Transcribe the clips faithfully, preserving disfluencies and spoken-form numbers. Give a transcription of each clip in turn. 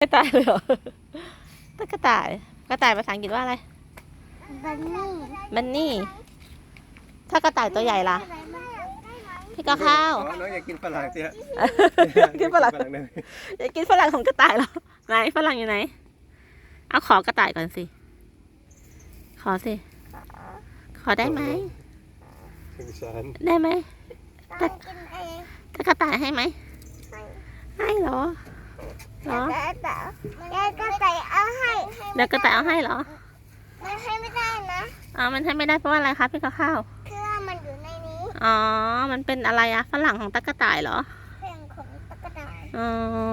ไม่ตายเลยเหรอตะกระต่ายกระต่ายภาษาอังกฤษว่าอะไรบันนี่บันนี่ถ้ากระต่ายตัวใหญ่ล่ะพี่ก็ข้าวน้องอยากกินฝรั่งสิฮะกินฝรั่งอยากกินฝรั่งของกระต่ายเหรอไหนฝรั่งอยู่ไหนเอาขอกระต่ายก่อนสิขอสิขอได้ไหมได้ไหมแต่แต่กระต่ายให้ไหมให้เหรอเหรอแล้วก็ใส่เอาให้เดี๋ยวกระต่ายเอาให้เหรอมันให้ไม่ได้นะอ๋อมันให้ไม่ได้เพราะว่าอะไรคะพี่ก็ข้าวเครื่องมันอยู่ในนี้อ๋อมันเป็นอะไรอะฝรั่งของตะกระต่ายเหรอเครื่องของตะกร้าอ๋อ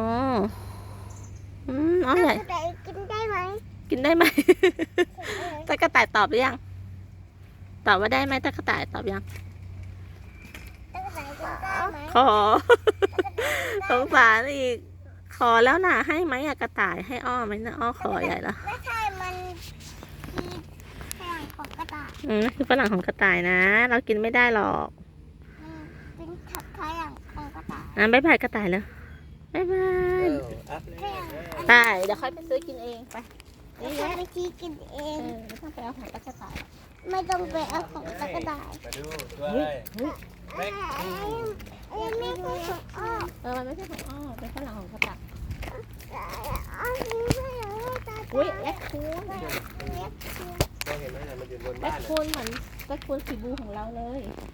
อืมอ๋อใหญ่ตะกร้ากินได้ไหมกินได้ไหม ตะกระต่ายตอบหรือยังตอบว่าได้ไหมตะกระต่ายตอบยังตะกร้ากินได้ไหมขอ สงสารอีกขอแล้วน่ะให้ไหมอะกระต่ายให้อ้อไหมนะอ้อขอใหญ่ละไม่ใช่มันคือเครื่องของกระต่ายอืมคือฝรั่งของกระต่ายนะ เรากินไม่ได้หรอกมันเป็นถักเครื่องของกระต่ายอ่ะบ๊ายบายกระต่ายเลยบ๊ายบายเครื่องไปเดี๋ยวค่อยไปซื้อกินเองไปไม่ใช่ไปชี้กินเอเอง อไม่ต้องไปเอาของตะกระต่ายไม่ต้องไปเอาของตะกร้ามาดูตัวอะไรเล็กเอ้ยไม่ใช่ของอ้อเออมันไม่ใช่ของอ้อเป็นฝรั่งของกระต่ายอ้อนี่ไม่เหรอตาอุ้ยแรคคูนเล็กคือก็เห็นไหมเนี่ยมันอยู่บนแรบ้าคน คูนเหมือนแรคคูนสีบลูของเราเลย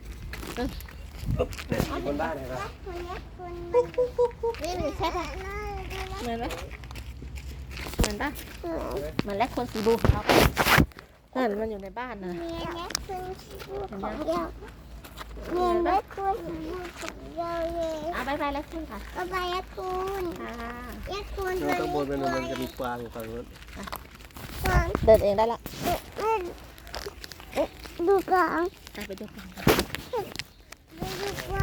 เนี่ยอยู่บนบ้านเห็นไหมคนเล็กคนนี่มันใช่ปะเหมือนไหมเหมือนปะเหมือนแรคคูนสีบลูของเราปะเออมันอยู่ในบ้านนะมีเล็กคนของเรามีเล็กคนของเราเลยอ่ะบายบายแรคคูนค่ะก็ไปเล็กคนค่ะเล็กคนข้างบนมันมันจะมีกวางอยู่ฝั่งนู้นเดินเองได้ละดูก่อนไปดูกันดูก่อน